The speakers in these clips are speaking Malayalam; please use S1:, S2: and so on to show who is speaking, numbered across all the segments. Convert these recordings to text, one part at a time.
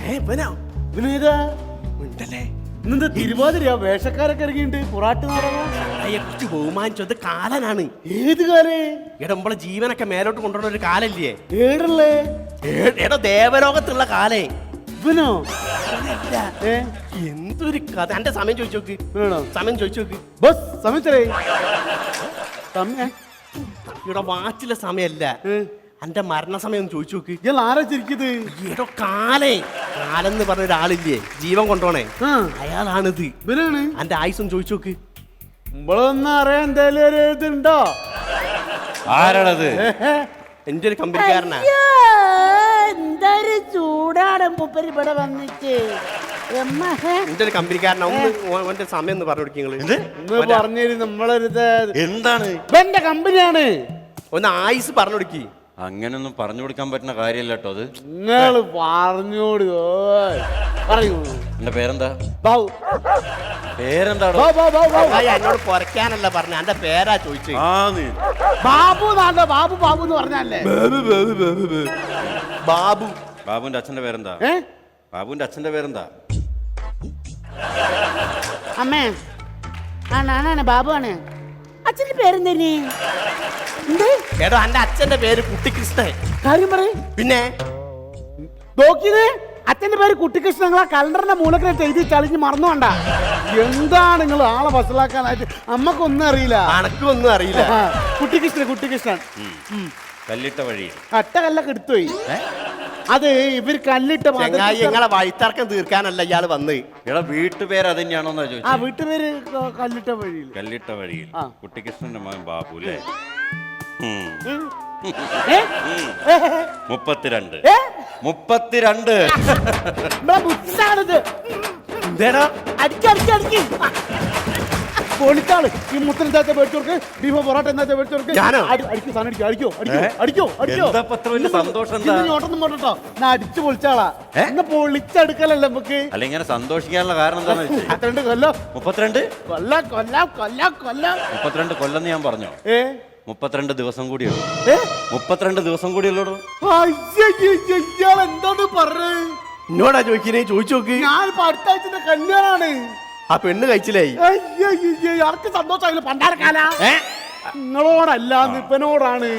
S1: ഇന്നെന്താ തിരുവാതിരയാ വേഷക്കാരൊക്കെ ഇറങ്ങിയിട്ട് പൊറാട്ട്
S2: കുറിച്ച് ബഹുമാനിച്ചത് കാലനാണ്.
S1: ഏത് കാലേ?
S2: നമ്മളെ ജീവനൊക്കെ മേലോട്ട് കൊണ്ടുവരുന്ന ഒരു കാലല്ലേ?
S1: ഏടല്ലേ?
S2: എടോ ദേവലോകത്തുള്ള കാലേ.
S1: ഇവനോ?
S2: എന്തൊരു കഥ. എന്റെ സമയം ചോദിച്ചു നോക്ക്. സമയം ചോദിച്ചു നോക്ക്.
S1: ബസ് സമയത്തേ
S2: ഇവിടെ വാച്ചിലെ സമയല്ല, എന്റെ മരണസമയം ഒന്ന് ചോദിച്ചു നോക്ക്.
S1: ഇയാൾ ആരാ ചിരിക്കുന്നത്?
S2: ഏടോ കാലേ. കാലെന്ന് പറഞ്ഞ ഒരാളില്ലേ ജീവൻ കൊണ്ടോണേ, അയാളാണിത്.
S1: ഇവനാണ്.
S2: എന്റെ ആയുസം ചോദിച്ചു നോക്ക്.
S1: നമ്മളൊന്നും അറിയാൻ എന്തായാലും ഒരു ഇതുണ്ടോ?
S3: ആരാണത്?
S2: എന്റെ ഒരു കമ്പനിക്കാരനാ.
S4: എന്തൊരു ചൂടാണ് മൂപ്പര് ഇവിടെ വന്നിട്ട്.
S2: എന്റെ ഒരു കമ്പനിക്കാരനാ. ഒന്ന് സമയം ഒന്ന് പറഞ്ഞു കൊടുക്കുക.
S1: പറഞ്ഞു നമ്മളൊരു
S3: എന്താണ്?
S1: എന്റെ കമ്പനിയാണ്.
S2: ഒന്ന് ആയുസ് പറഞ്ഞു കൊടുക്കി.
S3: അങ്ങനൊന്നും പറഞ്ഞു കൊടുക്കാൻ പറ്റുന്ന കാര്യമല്ല കേട്ടോ അത്.
S1: നിങ്ങള് പറഞ്ഞോട് പറയൂ.
S3: എന്റെ പേരെന്താ?
S1: ബാബു.
S3: പേരെന്താടോ?
S2: എന്നോട് കുറയ്ക്കാനല്ല പറഞ്ഞ, എന്റെ പേരാ ചോദിച്ചു.
S1: ബാബു നാണ്ട ബാബു ബാബു എന്ന് പറഞ്ഞല്ലേ?
S2: ബാബു.
S3: ബാബുവിന്റെ അച്ഛന്റെ പേരെന്താ? ബാബുവിന്റെ അച്ഛന്റെ പേരെന്താ?
S4: അമ്മേ ആണാണ് ബാബു ആണ്. അച്ഛന്റെ പേരെന്തേനി?
S2: എടോ എന്റെ അച്ഛന്റെ പേര് കുട്ടിക്കൃഷ്ണൻ.
S1: കാര്യം പറ.
S2: പിന്നെ
S1: നോക്കിയത് അച്ഛന്റെ പേര് കുട്ടിക്കൃഷ്ണൻ. നിങ്ങളാ കലണ്ടറിന്റെ മൂലക്കിട്ട് എഴുതി ചളിഞ്ഞ് മറന്നുകൊണ്ട. എന്താണ് നിങ്ങൾ ആളെ വസലാക്കാനായിട്ട്? നമ്മക്കൊന്നും അറിയില്ല.
S2: അനക്കും ഒന്നും അറിയില്ല.
S1: കുട്ടിക്കൃഷ്ണൻ കുട്ടിക്കൃഷ്ണൻ
S3: കല്ലിട്ട വഴി.
S1: അട്ട കല്ലൊക്കെ എടുത്തുപോയി. അത് ഇവര് കല്ലിട്ട
S2: നിങ്ങളെ വഴിത്തർക്കം തീർക്കാനല്ല ഇയാള് വന്ന്.
S3: എടാ വീട്ടുപേര് അത് തന്നെയാണോന്നാ
S1: ആ
S3: ചോദിച്ചത്.
S1: വീട്ടുപേര് കല്ലിട്ട വഴിയിൽ.
S3: കല്ലിട്ട വഴിയിൽ. കുട്ടിക്കൃഷ്ണന്റെ മകൻ ബാബു അല്ലേ? 32. 32.
S2: എന്തേടാ
S1: അടിക്കടിക്കടിക്ക് പൊളിച്ചാള്. ഈ മുത്തനെന്താ മേടിച്ചോർക്ക്? ബീഫോ പൊറോട്ട എന്താ മേടിച്ചോർക്ക്? അടിക്കോ സാധനം അടിക്കോ അടിക്കോ അടിക്കോ അടിക്കോ അടിക്കോ.
S3: സന്തോഷം
S1: ഓട്ടൊന്നും പോട്ടോ. ഞാൻ അടിച്ചു പൊളിച്ചാളാ. ഇന്ന് പൊളിച്ചെടുക്കലല്ലേ നമുക്ക്.
S3: അല്ല ഇങ്ങനെ സന്തോഷിക്കാനുള്ള കാരണം എന്താന്ന് വെച്ചാൽ
S1: 32 കൊല്ലം.
S3: 32
S1: കൊല്ലം കൊല്ലം കൊല്ലം കൊല്ലം.
S3: 32 കൊല്ലം ഞാൻ പറഞ്ഞോ? 32 ദിവസം കൂടിയുള്ളൂ. 32 ദിവസം കൂടിയുള്ളൂ.
S1: ഇയാൾ എന്താണ് പറഞ്ഞത്?
S2: എന്നോടാ ചോദിക്കുന്നേ? ചോദിച്ചു നോക്ക്.
S1: ഞാൻ അടുത്ത ആഴ്ചന്റെ കല്യാണാണ്.
S2: ആ പെണ്ണ് കഴിച്ചില്ലായി.
S1: ആർക്ക് സന്തോഷമായില്ല പണ്ടാരക്കാല. നിങ്ങളോടല്ല നിപ്പനോടാണ്.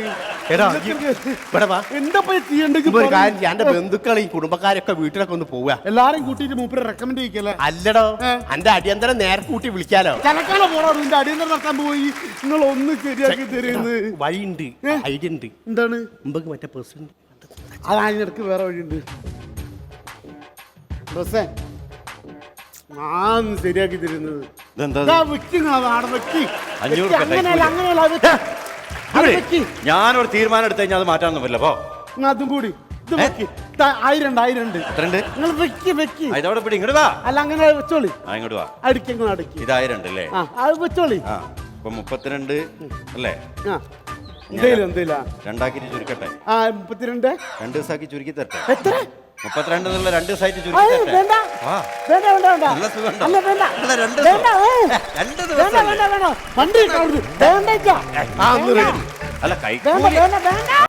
S1: എന്താ ചെയ്യണ്ടെങ്കിൽ
S2: എന്റെ ബന്ധുക്കൾ ഈ കുടുംബക്കാരൊക്കെ വീട്ടിലൊക്കെ ഒന്ന് പോവുക.
S1: എല്ലാരും കൂട്ടിട്ട് മൂപ്പര് റെക്കമെൻഡ് ചെയ്യിക്കല്ലേ?
S2: അല്ലടോ എന്റെ അടിയന്തരം നേരെ കൂട്ടി വിളിക്കാലോ.
S1: ചലക്കാല പോണോ? നിന്റെ അടിയന്തരം നടത്താൻ പോയി. നിങ്ങൾ ഒന്ന് ശരിയാക്കി തരുന്നത്
S2: വഴിയുണ്ട്, ഐഡിയ ഉണ്ട്.
S1: എന്താണ്?
S2: മുമ്പ് മറ്റേ പ്രസിഡന്റ്
S1: അത് അതിനിടക്ക് വേറെ വഴിയുണ്ട്. ഞാൻ ശരിയാക്കി തരുന്നത്.
S3: ഞാനൊരു തീരുമാനം എടുത്തു കഴിഞ്ഞാൽ അത് മാറ്റാനൊന്നും പറ്റില്ല. പോ
S1: അതും കൂടി 1000 നിങ്ങൾ വെക്കി വെക്കി.
S3: ഇതോടെ പിടി ഇങ്ങോട്ട് വാ.
S1: അല്ല അങ്ങനെ വെച്ചോളി.
S3: ഇങ്ങോട്ട് വാ.
S1: അടിക്കങ്ങൾ അടക്കി.
S3: ഇത് 1000 അല്ലേ?
S1: അത് വെച്ചോളി.
S3: ഇപ്പൊ 32 അല്ലേ?
S1: എന്തേലും
S3: 2 ചുരുക്കട്ടെ.
S1: 32
S3: 2 ദിവസമാക്കി ചുരുക്കി തരട്ടെ.
S1: എത്ര?
S3: 32 എന്നുള്ള 2 സൈറ്റ് ചുരുക്കി തരട്ടെ.
S1: വേണ്ട വേണ്ട വേണ്ട
S3: നല്ല സുഖം.
S1: അല്ല വേണ്ട
S3: അല്ല 2
S1: ദിവസം വേണ്ട വേണ്ട വേണ്ട വണ്ടി
S3: അല്ല കൈ
S1: വേണ്ട വേണ്ട വേണ്ട